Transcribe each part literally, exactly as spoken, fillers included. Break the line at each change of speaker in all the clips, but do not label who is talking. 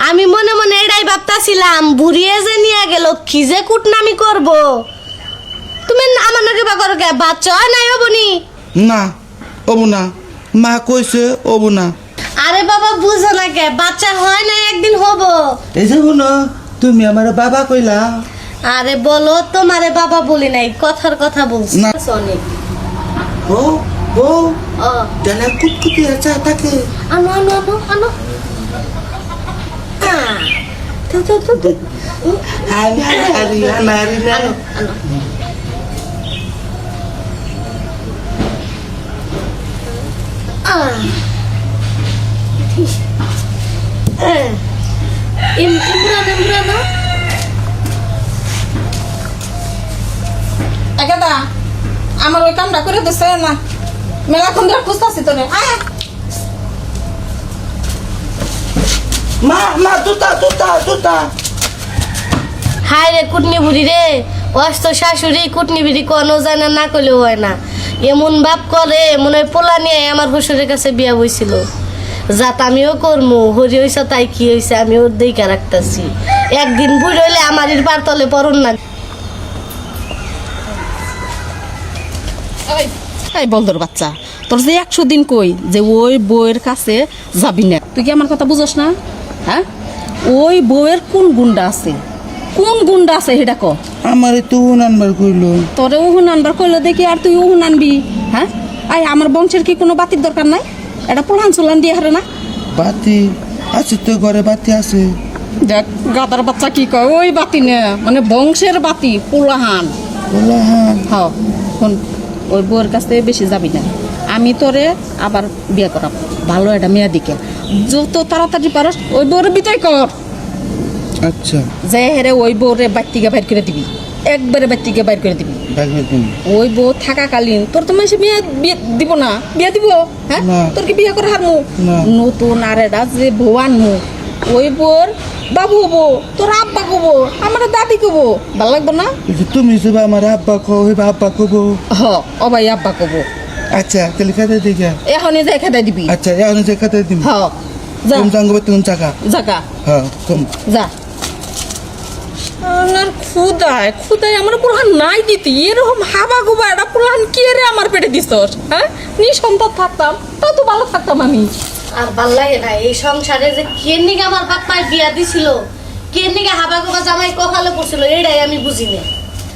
আমি মনে মনে এটাই ভাবতাছিলাম বুড়িয়ে যে নিয়ে গেল কি যে কুটনামি করব। তুমি আমার নাকি বা করো কে বাচ্চা হয় নাই হবনি?
না ওবো না, মা কইছে ওবো না।
আরে বাবা বুঝো না কে বাচ্চা হয় না একদিন হব।
এই যে শুনো, তুমি আমার বাবা কইলা।
আরে বলো তোমারে বাবা বলি নাই, কথার কথা বলছি
না।
অনেক
ও ও
ও
জানা কুটকুটি আছে তাকে।
আনো আনো আনো আনো আহ, তো, তো, তো, তো।
আরে আরে আরে
আনো আনো আহ Eh, im imran imran no?
একেদা আমার ওই কামটা করে দিছে না, মেলাক্ষণ ধরে খুঁজতেছি তোরে। আয়
মা মা তুতা তুতা তুতা।
হাই রে কুটনি বুড়ি রে, অস্ত শাশুড়ি কুটনি বুড়ি কোনো জানে না কইলেও হয় না। এমন ভাব করে মনে হয় পোলা নিয়ে আমার শ্বশুরের কাছে বিয়া বইছিল। যাত আমিও করমু হরি হইছে তাই কি হইছে আমি ওর দিকে রাখতেছি। একদিন বুড়ি হইলে আমার পার তলে পড়ন না।
এই, এই বলদর বাচ্চা, তোর যে একশো দিন কই যে ওই বউয়ের কাছে যাবি না, তুই কি আমার কথা বুঝস না? হ্যাঁ, ওই বউয়ের কোন গুন্ডা আছে, কোন গুন্ডা আছে সেটা ক।
আমার তো নাম্বার কইলো।
তোরে উহুন আনবার কইলো দেখি আর তুই উহুন আনবি? হ্যাঁ, আই আমার বংশের কি কোনো বাতির দরকার নাই? এটা পোলান চোলান দিয়ে হারে না।
বাতি আছে তো, ঘরে বাতি আছে।
দেখ গাদার বাচ্চা কি কয়, ওই বাতি না মানে বংশের বাতি পোলাহান।
বলা হ্যাঁ
হ্যাঁ শোন, ওই বউয়ের কাছ থেকে বেশি যাবি না। আমি তোরে আবার বিয়ে করাব ভালো একটা মেয়ে দিকে, যত তাড়াতাড়ি পারস ওই বউরে বিদায় কর।
আচ্ছা
যে হেরে ওই বউরে বাড়িতে বাইর করে দিবি, একবারে বাড়িতে বাইর করে দিবি।
দেখবে তুমি।
ওই বউ থাকাকালীন তোর তো মাসে বিয়ে বিয়ে দিব না, বিয়ে দিব? হ্যাঁ,
না।
তোর কি বিয়ে করে হারমু?
না।
নতুন আর এটা যে বউ আনমু, ওই বউর বাবু হবো, তোর আব্বা কবো, আমার দাদি কবো, ভালো লাগবো না?
এই যে তুমি যে আমার আব্বা কো হইবা আব্বা কবো।
হ অবাই আব্বা কবো।
আচ্ছা তাহলে খাতে দিকে।
এখনই যাই খেতে দিবি।
আচ্ছা এখন যে খাতে দিম।
হ যা
তুমি জাঙ্গবে তুমি চাকা।
জাগা
হ্যাঁ কম।
যা। আমার খুদায় খুদায় আমার পুরান নাই দিতি, এরকম হাবা গুবা একটা পুরান কে রে আমার পেটে দিছস? হ্যাঁ, নিঃসন্তান থাকতাম তা তো ভালো থাকতাম আমি।
আর ভাল লাগে না এই সংসারে যে কে নিকে আমার বাপ্পায় বিয়া দিছিল, কে নিকে হাবা গোবা জামাই কপালে পড়ছিল এটাই আমি বুঝি না।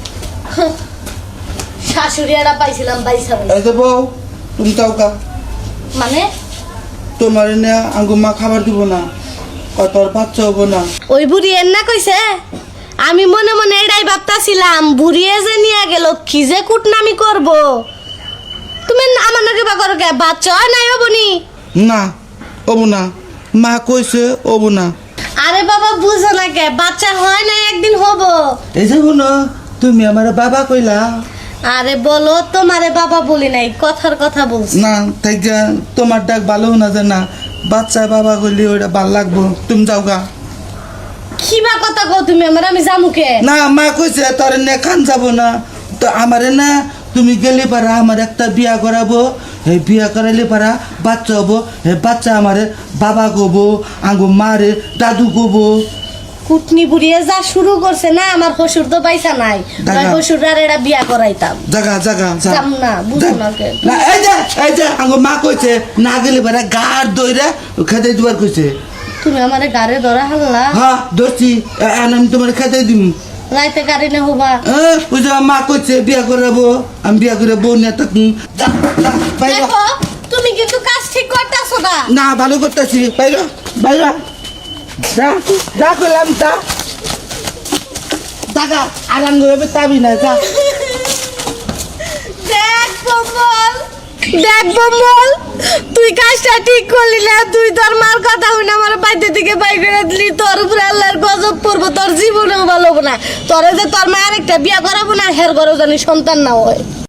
শাশুড়ি একটা পাইছিলাম বাইসা বাইসা।
এই যে বউ তুমি চাওকা,
মানে
তোমার না আঙ্গু মা খাবার দিব না, কতর বাচ্চা হবো না।
ওই বুড়ি এর না কইছে? আমি মনে মনে এটাই ভাবতাছিলাম বুড়িয়ে যে নিয়ে গেল কি যে কুটনামি করব। তুমি আমার নাকি বা করো কে বাচ্চা হয় নাই হবনি?
না ওবো না, মা কইছে ওবো না।
আরে বাবা বুঝো না কে বাচ্চা হয় না একদিন হব।
এই যে শুনো, তুমি আমার বাবা কইলা।
আরে বলো তোমারে বাবা বলি নাই, কথার কথা বলছি।
না তাই তোমার ডাক ভালো না যে না, বাচ্চা বাবা কইলে ওইটা ভাল লাগবো। তুমি যাও গা।
কি বা কথা কও তুমি আমার, আমি জামুকে?
না মা কইছে তোর নে খান যাবো না, তো আমারে না তুমি গেলে পারা আমার একটা বিয়া করাবো, এই বিয়া করাইলে পারা বাচ্চা হবো, এই বাচ্চা আমারে বাবা কবো, আঙ্গু মারে দাদু কবো।
কুটনি বুড়িয়ে যা শুরু করছে না, আমার শ্বশুর তো পয়সা নাই,
দাদা।
শ্বশুর আর এটা বিয়া করাইতাম।
জাগা জাগা যা।
যাম না, বুঝো না কে।
না এই যে এই যে আঙ্গু মা কইছে না গেলে পারা গার দইরা খেতে দিবার কইছে।
তুমি আমারে গাড়ে ধরা হাল্লা,
হ্যাঁ ধরছি, এখন আমি তোমার খেতে দিম।
রাইতে গাড়ি না হবা।
হ্যাঁ ওই যে মা কইছে বিয়া করাবো, আমি বিয়া করে বউ নিয়ে থাকুন। যা, যা, বাইরে।
দেখো তুমি কিন্তু কাজ ঠিক করতেছো না।
না ভালো করতেছি, বাইরে বাইরে যা যা করলাম তা টাকা আরাম করে তাবি না যা।
দেখ বম্বল, দেখ বম্বল, তুই কাজটা ঠিক করলি না। তুই তোর মার কথা শুনে আমার বাড়িতে থেকে বাই করে দিলি, তোর উপরে আল্লাহর গজব পড়বো, তোর জীবনেও ভালো হবে না। তোরে যে তোর মায়ের একটা বিয়া করাবো না, হের ঘরেও জানি সন্তান না হয়।